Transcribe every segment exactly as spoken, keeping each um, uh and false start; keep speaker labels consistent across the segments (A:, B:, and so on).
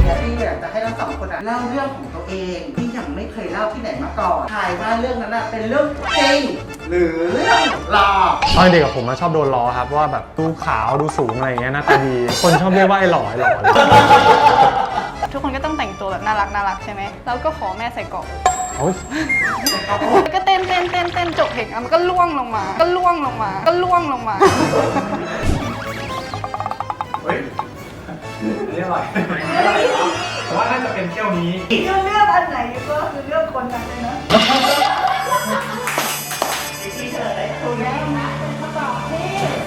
A: เนี้ยพี่อยากจะให้ทั้งสองคนเล่าเรื่องของตัวเองที่ยังไม่เคยเล่าที่ไหนมาก่อนทายว่าเรื่องนั้นเป็นเรื่องจริงหรือเรื่องหลอก
B: ตอนเด็กกับผมชอบโดนล้อครับว่าแบบดูขาวดูสูงอะไรอย่างเงี้ยหน้าตาดีคนชอบเรียกว่าไอ้หล่อไอ้หล่อ
C: ทุกคนก็ต้องแต่งตัวแบบน่ารักน่ารักใช่ไหมแล้วก็ขอแม่ใส่เกราะก็เต้นเต้นเต้นเต้นจบเพลงมันก็ล่วงลงมาก็ล่วงลงมาก็ล่วงลงมา
D: เฮ้ยอันนี้อร่อยแต่ว่าน่าจะเป็นเที่ยวนี้
C: เลือกอันไหนก็คือเลือกคนนั้นเลยนะที่เธอได้ถูกแล้วนะเป็นคำตอบที่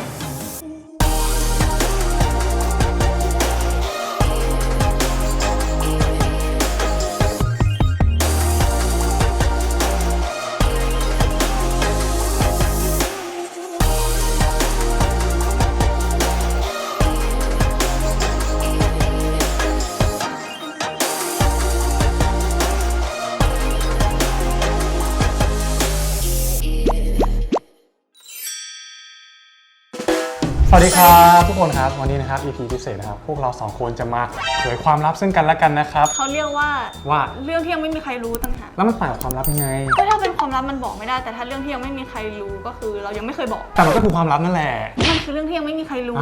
B: สวัสดีครับทุกคนครับวันนี้นะครับ อี พี พิเศษนะครับพวกเราสองคนจะมาเผยความลับซึ่งกันและกันนะครับ
C: เขาเรียกว่า
B: ว่า
C: เรื่องที่ยังไม่มีใครรู้ต่างหาก
B: แล้วมันต่างกับความลับยังไง
C: ก็ถ้าเป็นความลับมันบอกไม่ได้แต่ถ้าเรื่องที่ยังไม่มีใครรู้ก็คือเรายังไม่เคยบอก
B: แต่มันก็คือความลับนั่นแหละ
C: มันคือเรื่องที่ยังไม่มีใครรู้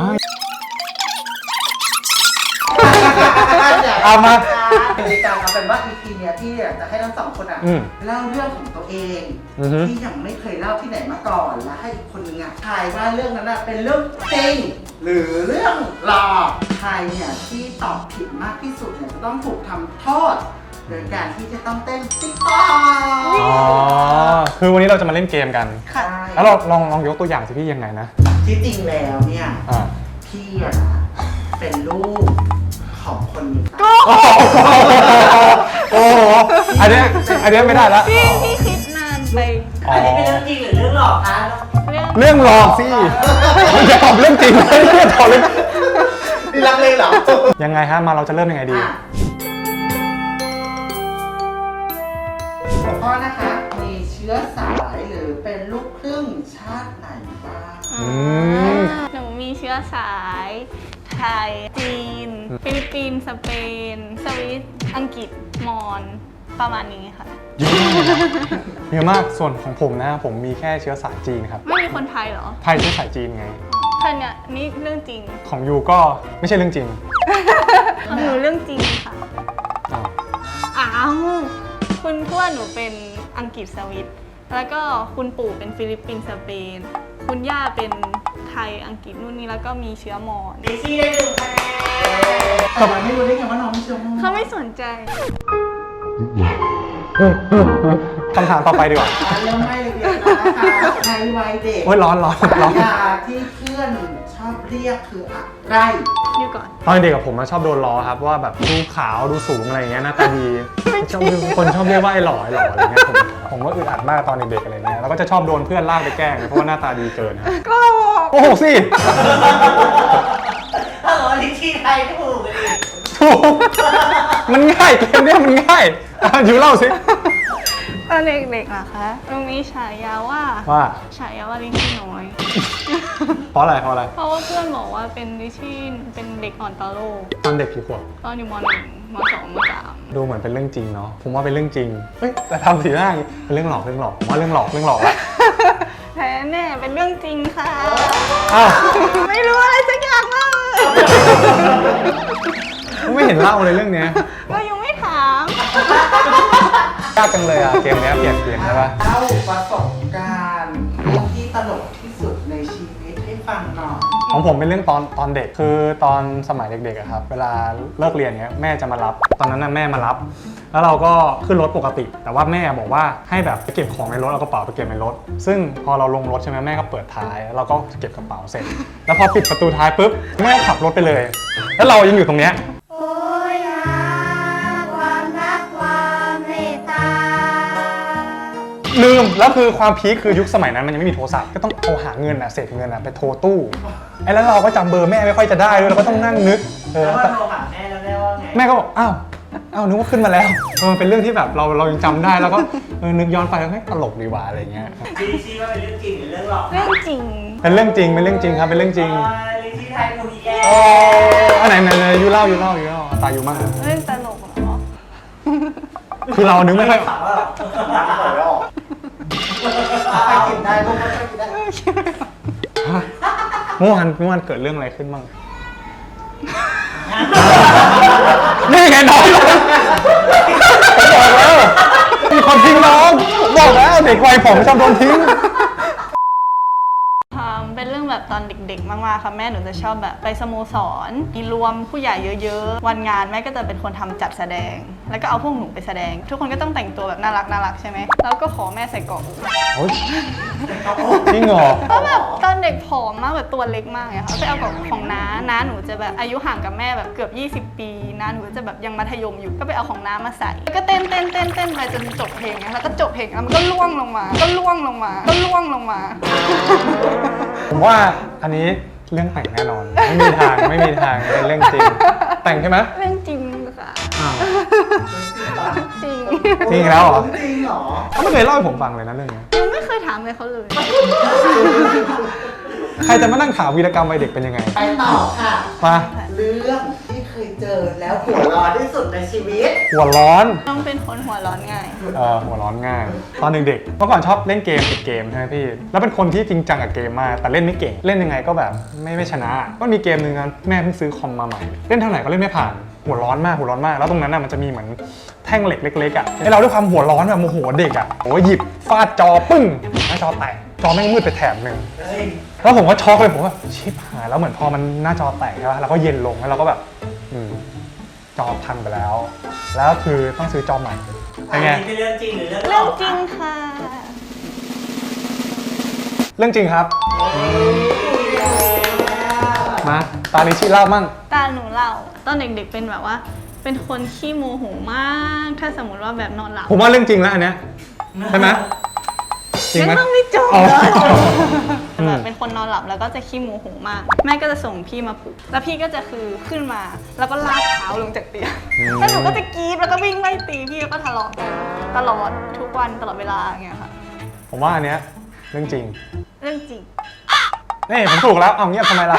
B: เอามา
A: ในการเอาเป็นว่า อี พี เนี้ยพี่อยากจะให้ทั้งสองคนเล่าเรื่องของตัวเองที่ยังไม่เคยเล่าที่ไหนมาก่อนและให้อีกคนนึงอ่ะทายว่าเรื่องนั้นเป็นเรื่องจริงหรือเรื่องหลอกใครเนี่ยที่ตอบผิดมากที่สุดเนี่ยจะต้องถูกทำโทษโดยการที่จะต้องเต้นติ๊กต๊อก
B: อ๋อคือวันนี้เราจะมาเล่นเกมกันแล้วเราลองลองยกตัวอย่างสิพี่ยังไงนะ
A: ที่จริงแล้วเนี่ยพี่อะเป็นลูกของคนนี้ก็โอ้
B: โหอันนี้อันนี้ไม่ได้แล้ว
C: พี่พี่คิดนานไป
A: อันนี้เป็นเรื่องจริงหรือเรื่องหลอกคะ
B: เรื่องหลอกสิมันจะตอบเรื่องจริงไม่ใช่ตอบเรื่อง
A: นี่รักเลยเหรอ
B: ยังไงฮะมาเราจะเริ่มยังไงดี
A: หัวข้อนะคะมีเชื้อสายหรือเป็นลูกครึ่งชาติไหนบ้าง
C: หนูมีเชื้อสายไทยจีนฟิลิปปินส์สเปนสวิตอังกฤษมอญประมาณนี้ค่ะ
B: เยอะมากส่วนของผมนะผมมีแค่เชื้อสายจีนครับ
C: ไม่มีคนไทยเหรอ
B: ไทยเชื้อสายจีนไง
C: ท่านเนี่ยนี่เรื่องจริง
B: ของยูก็ไม่ใช่เรื่องจริง
C: ของหนูเรื่องจริงค่ะอ้าวคุณทวดหนูเป็นอังกฤษสวิตแล้วก็คุณปู่เป็นฟิลิปปินส์สเปนคุณย่าเป็นไทยอังกฤษนู่นนี่แล้วก็มีเชื้อมอญ
A: ดิซี่ได้หนึ่งคะแนนแต่มันไม่รู้ได้ไงว่าน้องมีเชื้อมอญ
C: เขาไม่สนใจ
B: คำถามต่อไปดีกว่า
A: เริ่มไม่เลยนะคะในวัยเด็ก
B: โอ้ยร้อนร้อนร้อน
A: ยาที่เพื่อนชอบเรียกคืออะไร
C: อยู่ก่อน
B: ตอนเด็กกับผมชอบโดนล้อครับว่าแบบดูขาวดูสูงอะไรอย่างเงี้ยหน้าตาดีชอบคนชอบเรียกว่าไอ้หล่อไอ้หล่ออะไรเงี้ยผมผมก็อึดอัดมากตอนเด็กๆอะไรเงี้ยแล้วก็จะชอบโดนเพื่อนลากไปแกล้งเพราะว่าหน้าตาดีเกินครับ
C: ก็
B: โอ้โหสิ
A: ถ้าบอกดิชี่ไทยถูกเลย
B: ถูกมันง่ายเกมนี้มันง่ายอยู่เล่าสิ
C: ตอนเด็กๆอะคะมันมีฉายาว่า
B: ว่า
C: ฉายาว่าลิชี่น้อย
B: เพราะอะไรเพราะอะไร
C: เพราะว่าเพื่อนบอกว่าเป็นลิชี่เป็นเด็กอ่อนต่อโลก
B: ตอนเด็กกี่ขวบ
C: ตอนอยู่ม.หนึ่ง ม.สอง ม.สาม
B: ดูเหมือนเป็นเรื่องจริงเนาะผมว่าเป็นเรื่องจริงเฮ้ยแต่ทำสีหน้าเป็นเรื่องหลอกเรื่องหลอกผมว่าเรื่องหลอกเรื่องหลอกละ
C: แท้แน่เป็นเรื่องจริงค่ะ
B: อ้าว
C: ไม่รู้อะไรสักอย่างเลย
B: ไม่เห็นเล่าเลยเรื่องนี้
C: ก็ยังไม่ถาม
B: ยากจังเลยอ่ะเกมนี้เปลี่ยนเปลี่ยนได้ปะ
A: เล่าประสบการณ์เรื่องที่ตลกที่สุดในชีวิตให้ฟังหน่อย
B: ของผมเป็นเรื่องตอนตอนเด็กคือตอนสมัยเด็กๆครับเวลาเลิกเรียนเนี้ยแม่จะมารับตอนนั้นน่ะแม่มารับแล้วเราก็ขึ้นรถปกติแต่ว่าแม่บอกว่าให้แบบไปเก็บของในรถเอากระเป๋าไปเก็บในรถซึ่งพอเราลงรถใช่ไหมแม่ก็เปิดท้ายแล้วเราก็เก็บกระเป๋าเสร็จแล้วพอปิดประตูท้ายปุ๊บแม่ขับรถไปเลยแล้วเรายังอยู่ตรงเนี้ยลืมแล้วคือความพีคคือยุคสมัยนั้นมันยังไม่มีโทรศัพท์ก็ต้องโทรหาเงินอ่ะเศษเงินอ่ะไปโทรตู้ไอ้แล้วเราก็จำเบอร์แม่ไม่ค่อยจะได้ด้วยเราก็ต้องนั่งนึก
A: เออแล้วโทรหาแม่แล้วแม่ว่าไง
B: แม่ก็บอกอ้าวอ้าวนึกว่าขึ้นมาแล้วมันเป็นเรื่องที่แบบเราเรายังจำได้แล้วก็นึกย้อนไปแล้วตลกดีว่าอะไรเงี้ย
A: ดิชี่ว่าเป็นเรื่องจริงหรือเรื่องหลอก
C: เรื่องจริง
B: เป็นเรื่องจริงเป็นเรื่องจริงครับเป็นเรื่องจริง
A: ดิชี่ไทยมูดีแย่
B: โอ้อันไหนไหนไหนยูเล่ายูเล่ายูเล่าตายูมาก
C: เรื่องตลกเหรอ
B: คือเรานึกไม่ค่อย
A: ถามว่าน้ำต่อยไม่ออกใครกินได้ลูกใครกินได้
B: เมื่อวานเมื่อวานเกิดเรื่องอะไรขึ้นบ้างนี่ไงน้องผมบอกแล้วมีคนทิ้งน้องผมบอกแล้วเด็กวัยผมชอบโดนทิ้ง
C: เป็นเรื่องแบบตอนเด็กๆมากๆค่ะแม่หนูจะชอบแบบไปสโมสรมีรวมผู้ใหญ่เยอะๆวันงานแม่ก็จะเป็นคนทำจัดแสดง แล้วก็เอาพวกหนูไปแสดง ทุกคนก็ต้องแต่งตัวแบบน่ารักน่ารักใช่ไหมแล้วก็ขอแม่ใส่เกราะอก
B: โอ๊ยจริงเหรอ
C: เพราะแบบตอนเด็กผอมมากแบบตัวเล็กมากเลยค่ะไปเอาเกราะของน้าน้าหนูจะแบบอายุห่างกับแม่แบบเกือบยี่สิบปีน้าหนูจะแบบยังมัธยมอยู่ก็ไปเอาของน้ามาใส่แล้วก็เต้นเต้นเต้นเต้นไปจนจบเพลงนะแล้วก็จบเพลงแล้วมันก็ล่วงลงมาก็ล่วงลงมาก็ล่วงลงมา
B: ผมว่าอันนี้เรื่องแต่งแน่นอน ไม่มีทางไม่มีทางเป็นเรื่องจริง แต่งใช่ไหม
C: เรื่องจริงค่ะ
B: อ้าว
C: จริง
B: จริงแล้วเหรอ
A: จริงเหรอ
B: เขาไม่เคยเล่าให้ผมฟังเลยนะเรื่องนี้
C: ยังไม่เคยถามเลยเขาเลย
B: ใครจะมานั่งถามวีรกรรมวัยเด็กเป็นยังไง
A: ไปต่อค่ะ
B: มา
A: เรื่องที่เคยเจอแล้วหัวร้อนที่สุดในชีวิต
B: หัวร้อน
C: ต้องเป็นคนหัวร้อนง่าย
B: เออหัวร้อนง่าย ตอนเด็กๆเมื่อก่อนชอบเล่นเกมติดเกมใช่ไหมพี่แล้วเป็นคนที่จริงจังกับเกมมากแต่เล่นไม่เก่งเล่นยังไงก็แบบไม่ไม่ชนะก็มีเกมหนึ่งนะแม่เพิ่งซื้อคอมมาใหม่เล่นเท่าไหร่ก็เล่นไม่ผ่านหัวร้อนมากหัวร้อนมากแล้วตรงนั้นน่ะมันจะมีเหมือนแท่งเหล็กเล็กๆอ่ะให้เราด้วยความหัวร้อนแบบโมโหเด็กอ่ะโอ้ยหยิบฟาดจอปึ้งหน้าจอแตกจอแม่งมืดไปแถบหนึ่งแล้วผมก็ช็อกเลยผมว่าชิบหายแล้วเหมือนพอมันหน้าจอแตกใช่ป่ะแล้วก็เย็นลงแล้วเราก็แบบอืมจอพังไปแล้ว แล้วคือต้องซื้อจอใหม่เป็นไง
A: เป็นเรื่องจริงหรือเรื่อง
C: เรื่องจริงค่ะ
B: เรื่องจริงครับมาตาลิชิเล่ามั่ง
C: ตาหนูเล่าตอนเด็กๆเป็นแบบว่า เป็นคนขี้โมโหมาก ถ้าสมมติว่าแบบนอนหลับ
B: ผมว่าเรื่องจริงแล้วอันเนี้ยใช่ไหมจริง
C: ยัง
B: ไหม
C: ต้องไม่จบ
B: อ๋อ
C: เลย
B: อืม
C: แบบเป็นคนนอนหลับแล้วก็จะขี้โมโหมาก แม่ก็จะส่งพี่มาปลุกแล้วพี่ก็จะคือขึ้นมา แล้วก็ลากเท้าลงจากเตียงแล้วหนูก็จะกรี๊ดแล้วก็วิ่งไล่ตีพี่แล้วก็ทะเลาะกันตลอดทุกวันตลอดเวลาอย่างเงี้ยค่ะ
B: ผมว่าอันเนี้ยเรื่องจริง
C: เรื่องจริง
B: นี่ผมถูกแล้วเอาเงียบทำไมล่ะ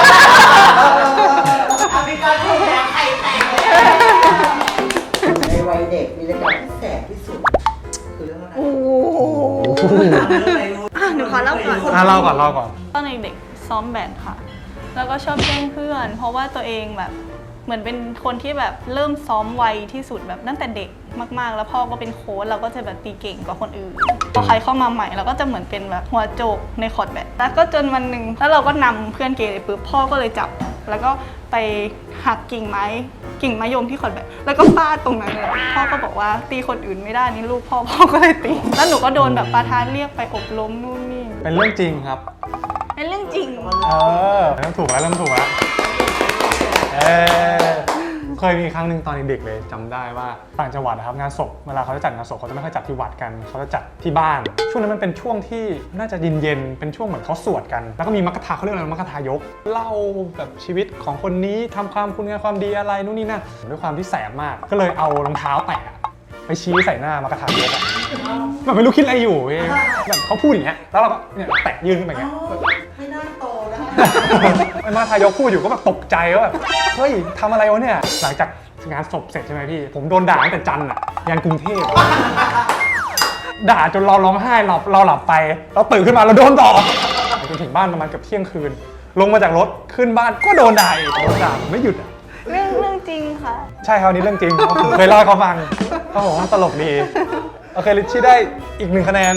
A: อภิการถูกแล้วใครแต่งในวัยเด็กมีรายการที่แสบที่สุดคือเรื่องอะไร
C: โอ้โหอ่ะหนูขอเล่าก่อน
B: อ่ะเล่าก่อนเล่าก่อน
C: ตอนเด็กๆซ้อมแบดค่ะ แล้วก็ชอบแกล้งเพื่อน เพราะว่าตัวเองแบบเหมือนเป็นคนที่แบบเริ่มซ้อมไวที่สุดแบบตั้งแต่เด็กมากๆ แล้วพ่อก็เป็นโค้ชเราก็จะแบบตีเก่งกว่าคนอื่นพอใครเข้ามาใหม่เราก็จะเหมือนเป็นแบบหัวโจกในคอร์ตแบดแล้วก็จนวันหนึ่งแล้วเราก็นำเพื่อนเกเรปุ๊บพ่อก็เลยจับ แล้วก็ไปหักกิ่งไม้กิ่งมะยมที่คอร์ตแบดแล้วก็ฟาดตรงนั้นเลยพ่อก็บอกว่าตีคนอื่นไม่ได้นี่ลูกพ่อพ่อก็เลยตีแล้วหนูก็โดนแบบประธานเรียกไปอบรมนู่นนี่
B: เป็นเรื่องจริงครับ
C: เป็นเรื่องจริง
B: เออเริ่มถูกแล้วเริ่มถูกแล้วเออเคยมีครั้งหนึ่งตอนเด็กๆเลยจำได้ว่าต่างจังหวัดนะครับงานศพเวลาเขาจะจัดงานศพเขาจะไม่ค่อยจัดที่วัดกันเขาจะจัดที่บ้าน ช่วงนั้นมันเป็นช่วงที่น่าจะเย็นๆเป็นช่วงเหมือนเขาสวดกัน แล้วก็มีมัคคทาเขาเรียกอะไรมัคคทายกเล่าแบบชีวิตของคนนี้ทำความคุณงามความดีอะไรนู่นนี่นั่นด้วยความที่แสบมาก ก็เลยเอารองเท้าแตะไปชี้ใส่หน้ามัคคทายกอะแบบไม่รู้คิดอะไรอยู่เองแบบเขาพูดอย่างเงี้ยแล้วเราก็เนี่ยแตะยื่นขึ้นไปอย่างเงี้ย
A: ไม่น่าโตนะ
B: ไอ้มาทายกพูดอยู่ก็แบบตกใจว่าแบบเฮ้ยทำอะไรวะเนี่ยหลังจากงานศพเสร็จใช่ไหมพี่ผมโดนด่าตั้งแต่จันทร์อะยันกรุงเทพด่าจนเราร้องไห้หลับเราหลับไปเราตื่นขึ้นมาเราโดนต่อจนถึงบ้านประมาณเกือบเที่ยงคืน ลงมาจากรถขึ้นบ้านก็โดนด่าอีกโดนด่าไม่หยุดอะ
C: เรื่องเรื่องจริงค่ะ
B: ใช่ครับอันนี้เรื่องจริงผมเคยเล่าให้เขาฟังเขาบอกว่าตลกดีโอเคลิชชี่ได้อีกหนึ่งคะแนน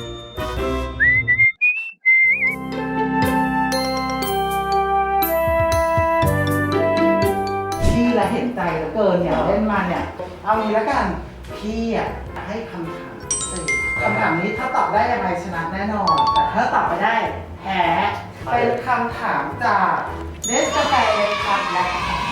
A: พี่ละเห็นใจเหลือเกินเนี่ยเล่นมาเนี่ย เอางี้แล้วกันพี่อ่ะให้คำถามพิเศษคำถามนี้ถ้าตอบได้ยังไงชนะแน่นอน แต่ถ้าตอบไม่ได้แพ้เป็นคำถามจากเนสกาแฟครับและ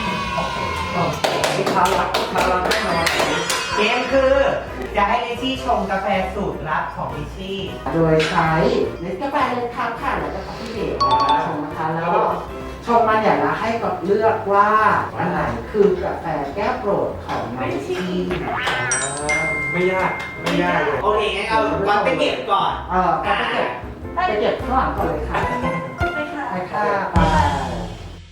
A: ลูกค้ารักลูกค้ารักแน่นอนเกมคือจะให้ลิชี่ชงกาแฟสูตรลับของลิชี่โดยใช้เนสกาแฟเลยครับค่ะแล้วก็คอฟฟี่เดทชงนะคะแล้วก็ชงมันอย่างละให้กับเลือกว่าอันไหนคือกาแฟแก้วโปรดของน้องลิชี่
D: ไม่ยากไม่ยากเลย
E: โอเคงั้นเอาก่อนไปเก็บก่อน
A: เออก็ไปเก็บไปเก็บข้างหลังก่อนเลยค่ะ
C: ไปค่ะ
A: ไปค่ะไป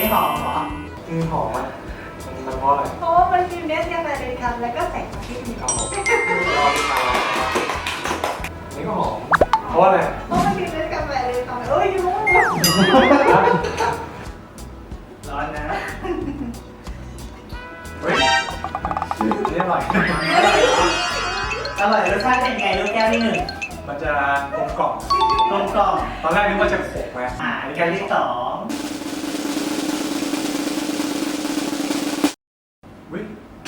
E: หอมเหรอ
B: อืมหอมอ่ะมันเพราะอะไร
C: เพราะว่ามันมีเนสกาแฟเลยครับแล้วก็ใส่กะทิมี
B: อ๋อรอดีมานี่ก็หอมเพราะอะไร
C: เพราะมันมีเนสกาแฟเลยทำไมเอ้ยรู้
E: ร้อนนะ
D: เฮ้ยนี่อร่อย
E: อร่อยรสชาติเป็นไงลูกแก้วที่หนึ่ง
D: มันจะกลมกล่อม
E: กลมกล่อม
D: ตอนแรกนึกว่าจะขมไหม
E: อ่าแก้วที่สอง
D: วิ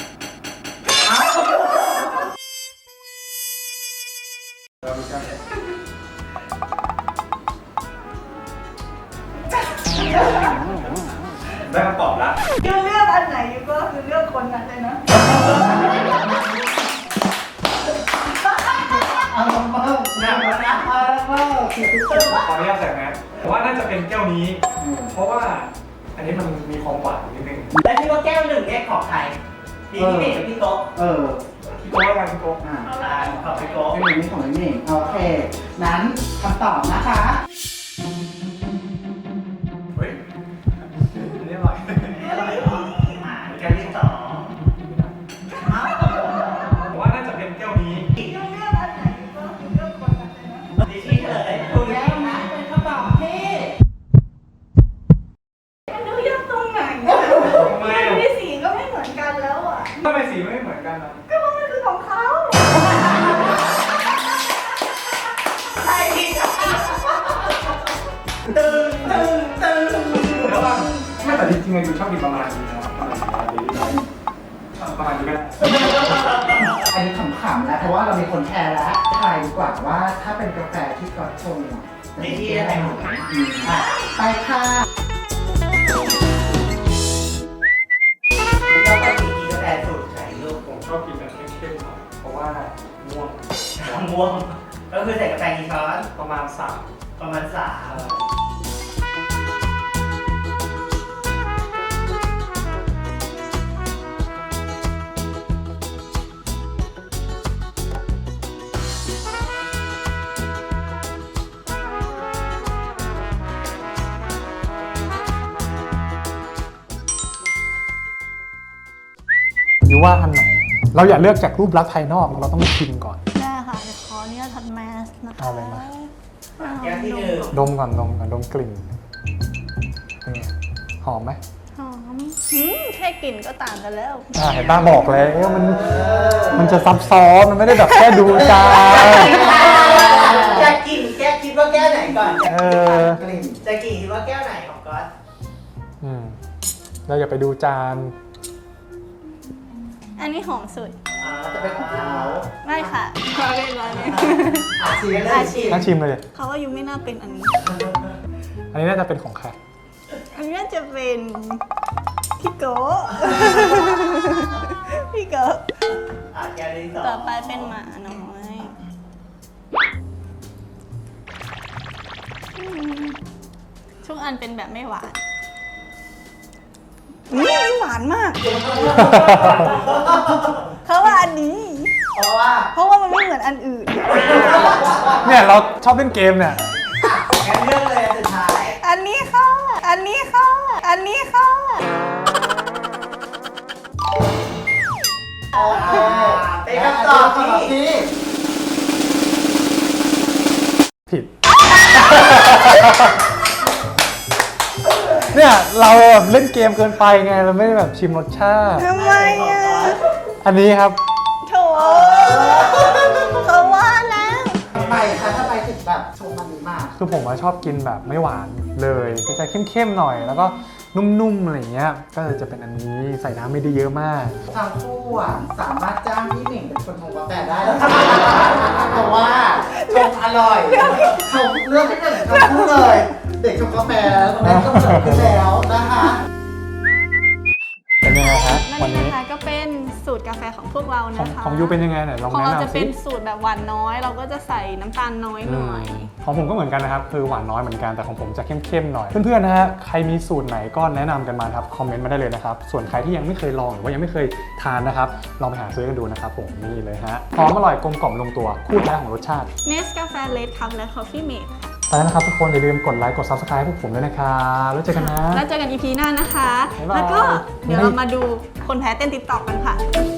D: เราดูกันได้คำตอบแล้ว
C: คือเลือกอันไหนก็คือเลือกคนนั้นเลยนะ
A: เอาละเบิ้ง
E: หนักแล้วนะ
A: เอาละเบิ้ง
D: ขออนุญาตใส่แมสผมว่าน่าจะเป็นแก้วนี้ เพราะว่าอันนี้มันมีความหวานนิดนึง
E: แล้วที่ว่าแก้วหนึ่งเนี่ยของใครพี่พี่เด็กกับพี่โต๊ะ
A: เออ
D: พี่โก้อะไรพี่โก้
A: อ่ะ
E: อ่าของพี่โต๊ะ
A: ไม่มีของไม่มีโอเค นั้นคำตอบนะคะ
D: เฮ้ยอันนี้อร่อย
E: อร่อยเหรออ่าแก้วที่สองอ้าว
D: ผมว่าน่าจะเป็นแก้วนี้
C: คือเลือกอันไหนก็คือเลือกคนนั้นเลยนะ
E: ดีที่เฉลยถูก
A: แล้
E: แล้ว ว
A: นะ
E: นะ
A: เป็นคำตอบที่
C: มันดูยากตรงไหน
D: ทำไมอ่ะ
C: มีสีก็ไม่เหมือนกันแล้วอ่ะ
D: ทำไมสีไม่เหมือนกันอ่ะ
C: ก็เพราะมันคือของเขา
E: ใช่ที่สองตึงตึงตึง
D: แล้วว่าไม่แต่จริงๆอะอยู่ชอบกินประมาณนี้นะครับประมาณนี้ประมาณนี้ก็ได้
A: อันนี้ขำๆนะเพราะว่าเรามีคนแชร์แล้วทายดีกว่าว่าถ้าเป็นกาแฟที่ก๊อตชงอ่ะ
E: ในที่อะไรหมด
A: อืมอ่ะไปค่ะ
E: ก็เป็นสีกาแฟสูตรไข่ลูก
D: ผมชอบกินแบบเข้มๆหน่อยเพราะว่าม่วง
E: ม่วงก็คือใส่กาแฟกี่ช้อน
D: ประมาณสาม
E: ประมาณสาม
B: หรือว่าอันไหน เราอย่าเลือกจากรูปลักษณ์ภายนอกเราต้องชิมก่อน
C: ได้ค่ะเดี๋ยวขออนุญาตทัดแมสนะคะ
B: เอาเลยมา
E: แก้วที่หนึ่ง
B: ดมก่อนดมก่อนดมกลิ่นเป็นไงหอมไหม
C: หอมหืมแค่กลิ่นก็ต่างกันแล้ว
B: อ่าเห็นป้าบอกแล้วมันมันจะซับซ้อนมันไม่ได้แบบแค่ดูจาน
E: จะกินแก้วคิดว่าแก้วไหนก่อน
B: เออ
A: กลิ่น
E: จะกินคิดว่าแก้วไหนของก๊อต
B: อืมเราอย่าไปดูจาน
C: อันนี้หอมสุด
E: อ่า
A: จะเป็นของเขา
C: ไม่ค่ะร้อนเลยร้อนเลย
A: อาชีพ
E: เล
A: เลย ย
E: ชิม
B: น่าชิมเลยดิ
C: เขาว่ายูไม่น่าเป็นอันนี้
B: อันนี้น่าจะเป็นของใคร
C: อันนี้น่าจะเป็นพี่โกะ พี่โกะ
E: อ่าแก้วที่สอง
C: ต่อไปเป็นหมาน้อยอืมทุกอันเป็นแบบไม่หวานอืมหวานมาก เขาว่าอันนี้
E: เพราะว่า
C: เพราะว่ามันไม่เหมือนอันอื่น
B: เนี่ยเราชอบเล่นเกมเนี่ย
E: งั้นเลือกเลยอันสุดท้าย
C: อันนี้ค่ะ อันนี้ค่ะ อันนี้ค่ะ
A: โอเค
E: เป็นคำตอบที่
A: ที่
B: ผิด เนี่ยเราเล่นเกมเกินไปไงเราไม่ได้แบบชิมรสชาติ
C: ทำไมอ่ะ
B: อันนี้ครับ
C: โถเขาว่าแล้ว
A: ทำไมคะทำไมถึงแบบชงมันนี้มา
B: คือผมว่าชอบกินแบบไม่หวานเลยจะเข้มๆหน่อย แล้วก็นุ่มๆอะไรอย่างเงี้ยก็จะเป็นอันนี้ใส่น้ำไม่ได้เยอะมาก
A: ทางคู่อ่ะสามารถจ้างพี่หมิงเป็นคนชงกาแฟได้เลยเพราะว่าชงอร่อยชงเลือกให้เหมือนทั้งคู่เลย เด็กชงกาแฟตอนนี้ก็เกิดขึ้นแล้วนะคะ
B: เป็นยังไงครับ
C: และ
B: วัน
C: นี่
B: นี้
C: นะคะก็เป็นสูตรกาแฟของพวกเรา
B: ของ
C: นะคะ
B: ของยูเป็นยังไงไหนลอง
C: ของ
B: แนะ
C: เราจะ
B: นำ
C: เป็
B: สิ
C: นสูตรแบบหวานน้อย เราก็จะใส่น้ำตาลน้อยหน่อย
B: ของผมก็เหมือนกันนะครับคือหวานน้อยเหมือนกันแต่ของผมจะเข้มๆหน่อย เพื่อนๆนะฮะใครมีสูตรไหนก็แนะนำกันมาครับคอมเมนต์มาได้เลยนะครับส่วนใครที่ยังไม่เคยลองหรือว่ายังไม่เคยทานนะครับลองไปหาซื้อกันดูนะครับผมนี่เลยฮะหอมอร่อยกลมกล่อมลงตัวคู่แท้ของรสชาติ
C: เนสกาแฟเลดคัพและคอฟฟี่เมด
B: ตอนนั้นนะครับทุกคนอย่าลืมกดไลค์กด ซับสไครบ์ พวกผมด้วยนะครับแล้วเจอกันนะ
C: แล้วเจอกัน อี พี หน้านะคะ
B: บ๊ายบาย
C: แล้วก็เดี๋ยวเรามาดูคนแพ้เต้นติ๊กต็อกกันค่ะ